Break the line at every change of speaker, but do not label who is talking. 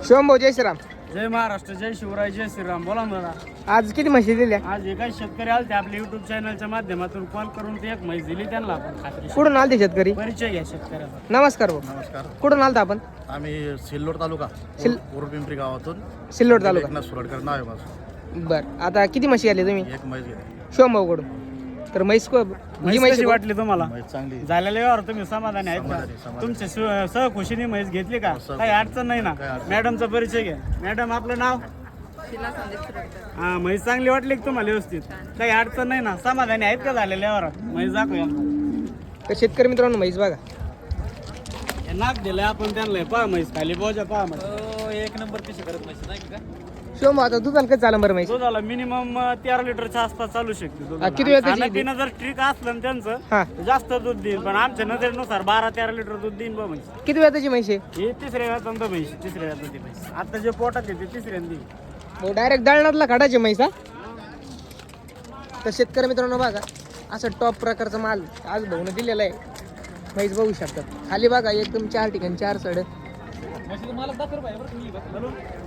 शिवम भाऊ जय श्रीराम.
जय महाराष्ट्र, जय शिवराय, जय श्रीराम. बोला मला.
आज किती म्हशी दिल्या?
आज एका शेतकरी आले ते आपल्या युट्यूब चॅनलच्या माध्यमातून कॉल करून ते एक म्हैस दिली त्यांना आपण खात्री.
कुठून आलते शेतकरी?
परिचय घ्या शेतकऱ्याचा.
नमस्कार भाऊ.
नमस्कार.
कुठून आलता आपण?
आम्ही सिल्लोड तालुका
सिल-
पिंपरी गावातून
सिल्लोड तालुका.
एकनाथ सुरडकर नाव आहे माझं.
बर, आता किती म्हशी आली तुम्ही?
एक म्हैस घेतली.
शिवम भाऊ कडून. तर म्हैस
म्हैस कशी वाटली तुम्हाला?
म्हैस चांगली.
झालेल्या व्यवहार तुम्ही समाधानी आहेत
समाधानी,
का?
समाधानी.
तुमच्या सहखुशीने म्हैस घेतली का?
सहखुशी.
काही अडचण नाही ना?
काही अडचण.
मॅडमचा परिचय घ्या. मॅडम आपलं नाव? हा, म्हैस चांगली वाटली का तुम्हाला? व्यवस्थित, काही अडचण नाही ना? समाधानी आहेत का झालेल्या व्यवहारात? म्हैस दाखवूया.
तर शेतकरी मित्रांनो म्हैस बघा.
हे नाक दिलंय आपण त्यांना. पहा म्हैस खाली बोजा, पहा म्हैस.
एक नंबर पिशी करत नाही नाही का?
शिवम भाऊ आता दुधाला कसं चाललं बरं म्हैस?
दुधाला मिनिमम 13 लिटरच्या आसपास चालू शकते दुधाला.
किती वेळ त्याची?
खाणं-पिणं जर ट्रिक असलं ना
हा.
त्यांचं, जास्त दूध देईल. पण आमच्या नजरेनुसार 12-13 लिटर दूध देईन बा म्हैस.
किती वेळ त्याची म्हैस आहे?
हे तिसऱ्या व्याजांत म्हैस, तिसऱ्या व्याजांत म्हैस. आता जे पोटात येते तिसऱ्यांदी.
भाऊ डायरेक्ट दळणातला काढायचे म्हैस हा. तर शेतकरी मित्रांनो बघा, असं टॉप प्रकारचा माल आज भाऊने दिलेला आहे. म्हैस बघू शकतात. खाली बघा एकदम 4 ठिकाणी 4 सड.
म्हशीचं मला 10 रुपये बरं तुम्ही बघ.